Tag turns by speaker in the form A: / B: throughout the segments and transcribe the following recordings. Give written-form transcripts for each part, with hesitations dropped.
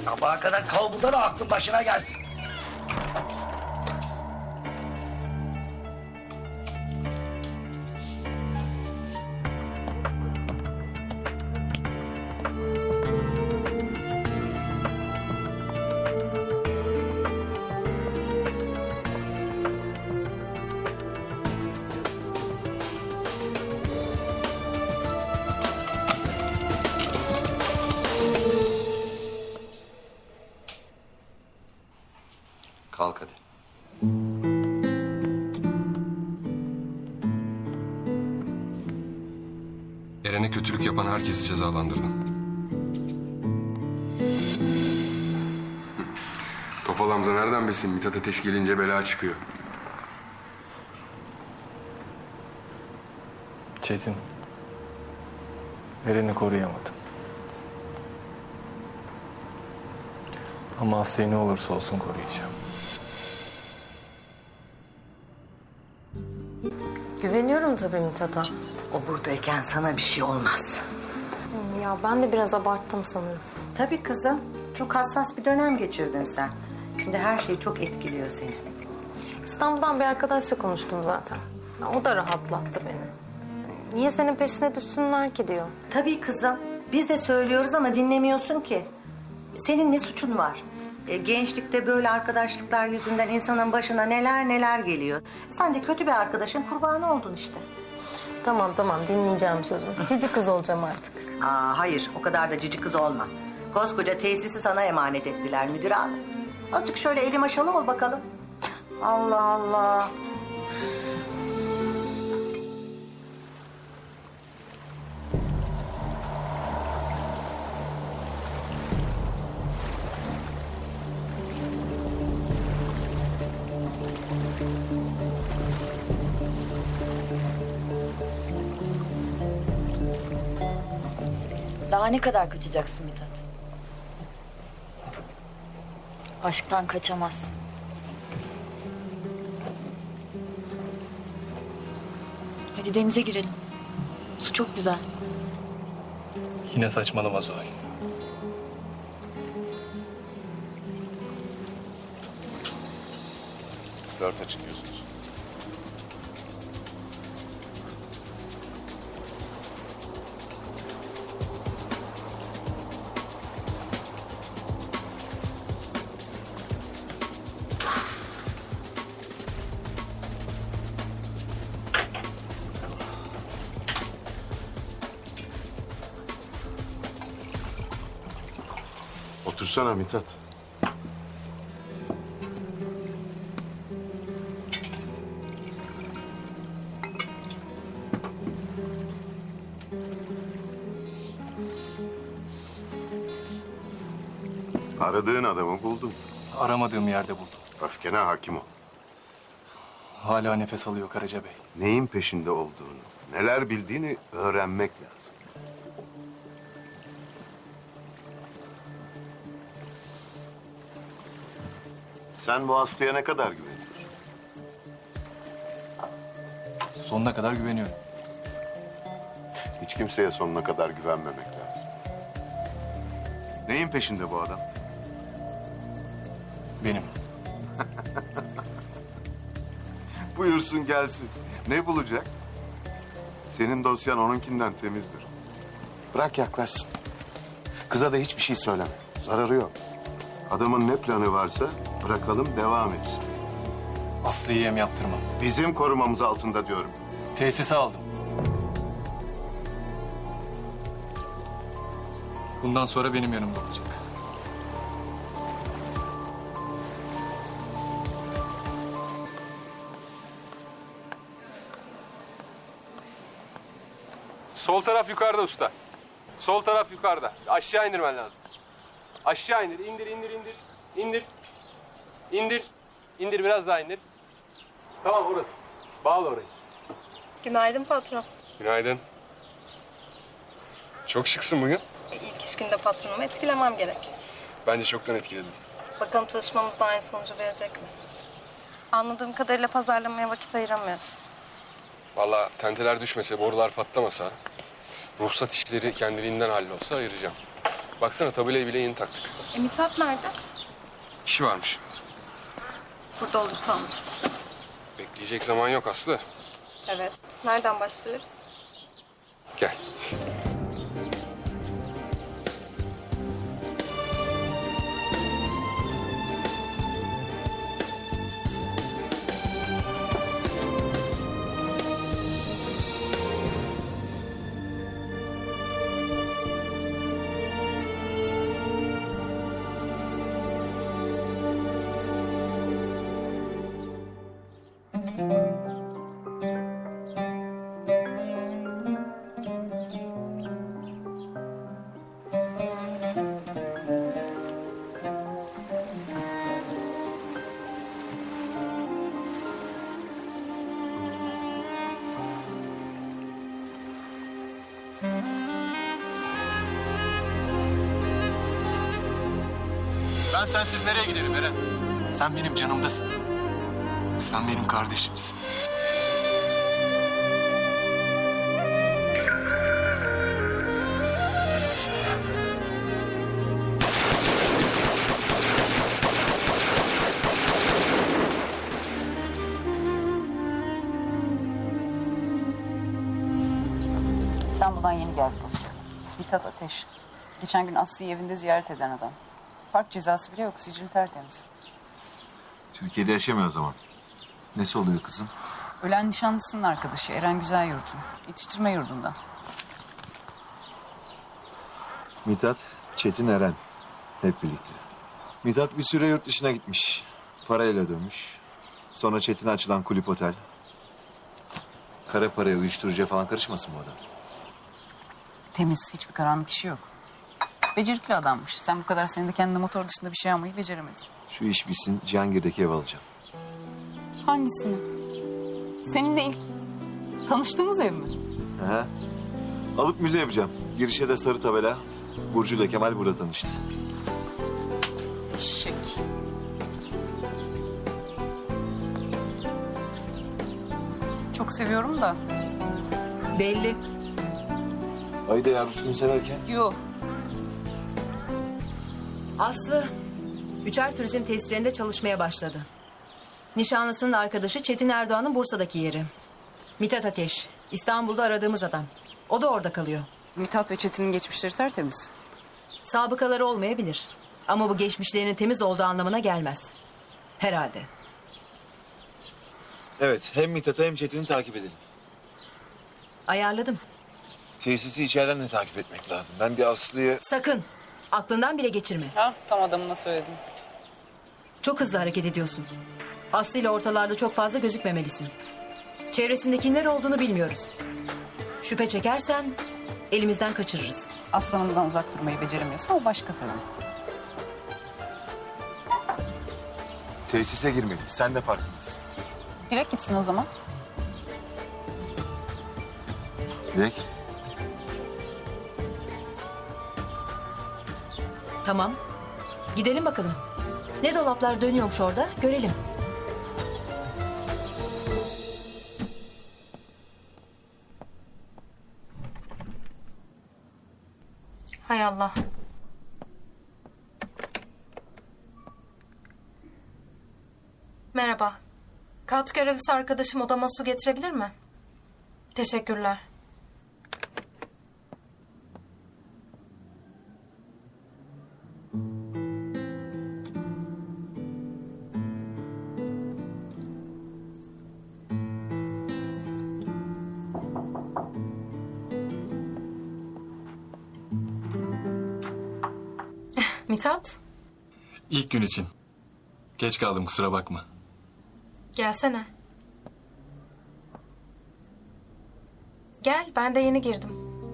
A: Sabaha kadar kal burada da aklın başına gelsin.
B: Kalk hadi.
C: Eren'e kötülük yapan herkesi cezalandırdım. Topal Hamza nereden bilsin Mithat Ateş gelince bela çıkıyor.
D: Çetin. Eren'i koruyamadım. Ama Aslı'yı ne olursa olsun koruyacağım.
E: Güveniyorum tabii Mithat'a.
F: O buradayken sana bir şey olmaz.
E: Ya ben de biraz abarttım sanırım.
F: Tabii kızım. Çok hassas bir dönem geçirdin sen. Şimdi her şey çok etkiliyor seni.
E: İstanbul'dan bir arkadaşla konuştum zaten. Ya o da rahatlattı beni. Niye senin peşine düşsünler ki diyor.
F: Tabii kızım. Biz de söylüyoruz ama dinlemiyorsun ki. Senin ne suçun var? Gençlikte böyle arkadaşlıklar yüzünden insanın başına neler neler geliyor. Sen de kötü bir arkadaşın kurbanı oldun işte.
E: Tamam dinleyeceğim sözünü. Cici kız olacağım artık.
F: Hayır, o kadar da cici kız olma. Koskoca tesisi sana emanet ettiler müdür hanım. Azıcık şöyle eli maşalı ol bakalım. Allah Allah.
G: Daha ne kadar kaçacaksın Mithat? Aşktan kaçamazsın. Hadi denize girelim. Su çok güzel.
D: Yine saçmalama Zuhal.
B: Dört açın diyorsunuz. Otursana Mithat. Aradığın adamı buldun.
D: Aramadığım yerde buldum.
B: Öfkene hakim ol.
D: Hala nefes alıyor Karaca Bey.
B: Neyin peşinde olduğunu, neler bildiğini öğrenmek lazım. Sen bu Aslı'ya ne kadar güveniyorsun?
D: Sonuna kadar güveniyorum.
B: Hiç kimseye sonuna kadar güvenmemek lazım. Neyin peşinde bu adam?
D: Benim.
B: Buyursun gelsin. Ne bulacak? Senin dosyan onunkinden temizdir. Bırak yaklaşsın. Kıza da hiçbir şey söyleme. Zararı yok. Adamın ne planı varsa bırakalım devam etsin.
D: Aslı'yı yem yaptırmam.
B: Bizim korumamız altında diyorum.
D: Tesise aldım. Bundan sonra benim yanımda olacak.
C: Sol taraf yukarıda usta. Sol taraf yukarıda. Aşağı indirmen lazım. Aşağı indir. İndir. İndir. İndir. İndir biraz daha indir. Tamam orası. Bağla orayı.
H: Günaydın patron.
C: Günaydın. Çok şıksın bugün.
H: İlk iş günde patronumu etkilemem gerek.
C: Bence çoktan etkiledin.
H: Bakalım çalışmamız da aynı sonucu verecek mi? Anladığım kadarıyla pazarlamaya vakit ayıramıyorsun.
C: Vallahi tenteler düşmese, borular patlamasa, ruhsat işleri kendiliğinden hallolsa ayıracağım. Baksana tabelayı bile yeni taktık.
H: Mithat nerede?
C: İşi varmış.
H: Burada olur sanmıştım.
C: Bekleyecek zaman yok Aslı.
H: Evet. Nereden başlıyoruz?
C: Gel.
D: Ben sensiz nereye giderim Eren? Sen benim canımdasın. Sen benim kardeşimsin.
I: İstanbul'dan yeni geldi dosya. Mithat Ateş. Geçen gün Aslı'yı evinde ziyaret eden adam. Park cezası bile yok, sicil tertemiz.
J: Türkiye'de yaşamıyor o zaman. Nesi oluyor kızın?
I: Ölen nişanlısının arkadaşı Eren Güzelyurt'un. Yetiştirme yurdundan.
J: Mithat, Çetin, Eren. Hep birlikte. Mithat bir süre yurt dışına gitmiş. Parayla dönmüş. Sonra Çetin'e açılan kulüp otel. Kara paraya, uyuşturucuya falan karışmasın bu adam.
I: Temiz, hiçbir karanlık işi yok. Becerikli adammış. Sen bu kadar senede kendi motor dışında bir şey almayı beceremedin.
J: Şu iş bitsin, Cihangir'deki ev alacağım.
I: Hangisini? Seninle ilk tanıştığımız ev mi?
J: Aha. Alıp müze yapacağım. Girişe de sarı tabela. Burcu ile Kemal burada tanıştı.
I: Şek. Çok seviyorum da. Belli.
J: Ayda yavrusunu severken.
I: Yok.
K: Aslı, Üçer Turizm tesislerinde çalışmaya başladı. Nişanlısının arkadaşı Çetin Erdoğan'ın Bursa'daki yeri. Mithat Ateş, İstanbul'da aradığımız adam. O da orada kalıyor.
I: Mithat ve Çetin'in geçmişleri tertemiz.
K: Sabıkaları olmayabilir. Ama bu geçmişlerinin temiz olduğu anlamına gelmez. Herhalde.
J: Evet, hem Mithat'ı hem Çetin'i takip edelim.
K: Ayarladım.
J: Tesisi içeriden de takip etmek lazım. Ben bir Aslı'yı...
K: Sakın, aklından bile geçirme.
I: Ha, tam adamına söyledim.
K: Çok hızlı hareket ediyorsun. Aslı ile ortalarda çok fazla gözükmemelisin. Çevresinde kimler olduğunu bilmiyoruz. Şüphe çekersen elimizden kaçırırız.
I: Aslanımdan uzak durmayı beceremiyorsa o başka tabii.
J: Tesise girmedi. Sen de farkındasın.
I: Direkt gitsin o zaman.
J: Dilek.
K: Tamam. Gidelim bakalım. Ne dolaplar dönüyormuş orada görelim.
E: Hay Allah. Merhaba. Kat görevlisi arkadaşım odama su getirebilir mi? Teşekkürler. Mithat,
D: İlk gün için. Geç kaldım, kusura bakma.
E: gelsene. Gel, ben de yeni girdim.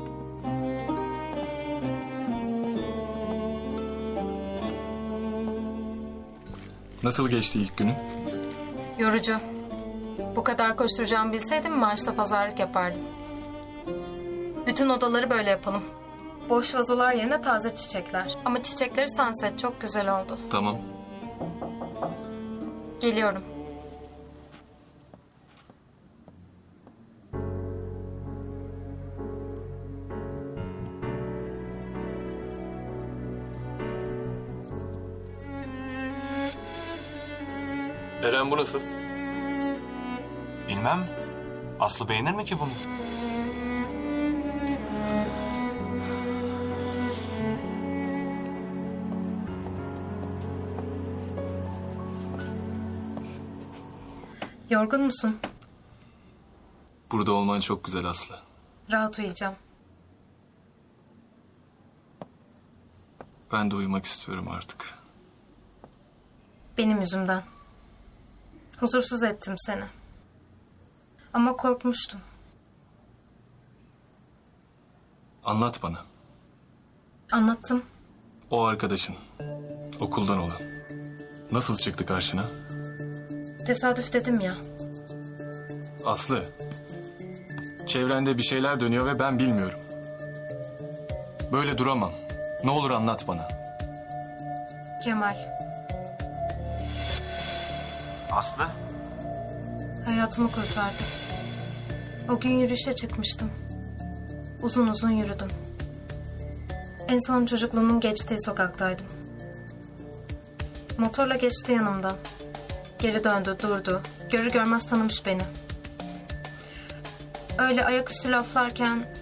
D: Nasıl geçti ilk günün?
E: Yorucu. Bu kadar koşturacağımı bilseydim maaşla pazarlık yapardım. Bütün odaları böyle yapalım. Boş vazolar yerine taze çiçekler. Ama çiçekleri sunset çok güzel oldu.
D: Tamam.
E: Geliyorum.
C: Eren bu nasıl?
D: Bilmem. Aslı beğenir mi ki bunu?
E: Yorgun musun?
D: Burada olman çok güzel Aslı.
E: Rahat uyuyacağım.
D: Ben de uyumak istiyorum artık.
E: Benim yüzümden. Huzursuz ettim seni. Ama korkmuştum.
D: Anlat bana.
E: Anlattım.
D: O arkadaşın. Okuldan olan. Nasıl çıktı karşına?
E: Tesadüf dedim ya.
D: Aslı. Çevrende bir şeyler dönüyor ve ben bilmiyorum. Böyle duramam. Ne olur anlat bana.
E: Kemal.
D: Aslı?
E: Hayatımı kurtardı. O gün yürüyüşe çıkmıştım. Uzun uzun yürüdüm. En son çocukluğumun geçtiği sokaktaydım. Motorla geçti yanımdan. Geri döndü, durdu. Görür görmez tanımış beni. Öyle ayaküstü laflarken...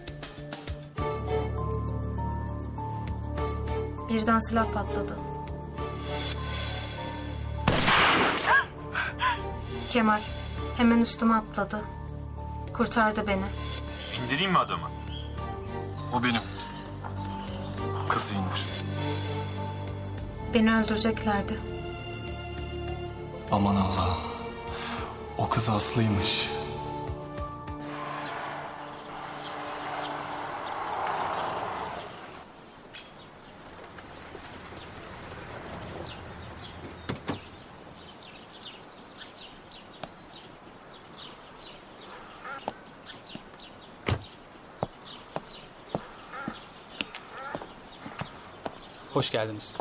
E: birden silah patladı. Kemal hemen üstüme atladı. Kurtardı beni.
J: İndireyim mi adamı?
D: O benim. Kızı indir.
E: Beni öldüreceklerdi.
D: Aman Allah'ım. O kız Aslı'ymış.
L: Hoş geldiniz.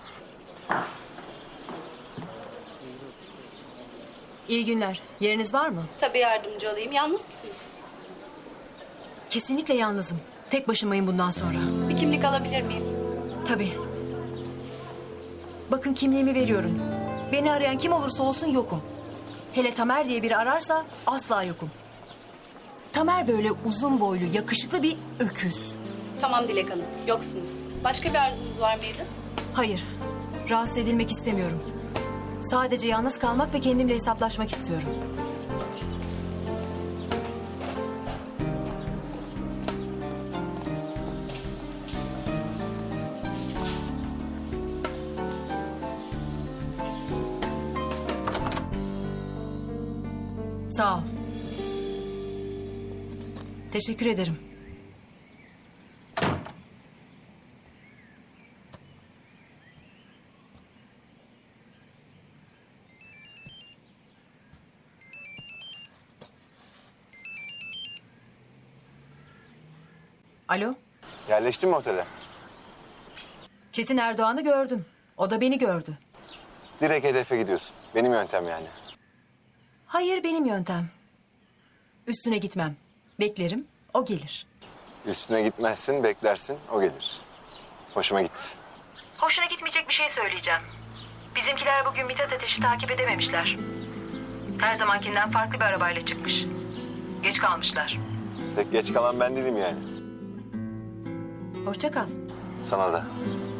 K: İyi günler. Yeriniz var mı?
G: Tabii yardımcı olayım. Yalnız mısınız?
K: Kesinlikle yalnızım. Tek başımayım bundan sonra.
G: Bir kimlik alabilir miyim?
K: Tabii. Bakın kimliğimi veriyorum. Beni arayan kim olursa olsun yokum. Hele Tamer diye biri ararsa asla yokum. Tamer böyle uzun boylu, yakışıklı bir öküz.
G: Tamam Dilek Hanım. Yoksunuz. Başka bir arzunuz var mıydı?
K: Hayır, rahatsız edilmek istemiyorum. Sadece yalnız kalmak ve kendimle hesaplaşmak istiyorum. Sağ ol. Teşekkür ederim. Alo,
J: Yerleştin mi otele?
K: Çetin Erdoğan'ı gördüm. O da beni gördü.
J: Direkt hedefe gidiyorsun. Benim yöntem yani.
K: Hayır, benim yöntem. Üstüne gitmem. Beklerim, o gelir.
J: Üstüne gitmezsin, beklersin, o gelir. Hoşuma gitti.
K: Hoşuna gitmeyecek bir şey söyleyeceğim. Bizimkiler bugün Mithat Ateş'i takip edememişler. Her zamankinden farklı bir arabayla çıkmış. Geç kalmışlar.
J: Tek geç kalan ben değilim yani.
K: Hoşça kal.
J: Sana da.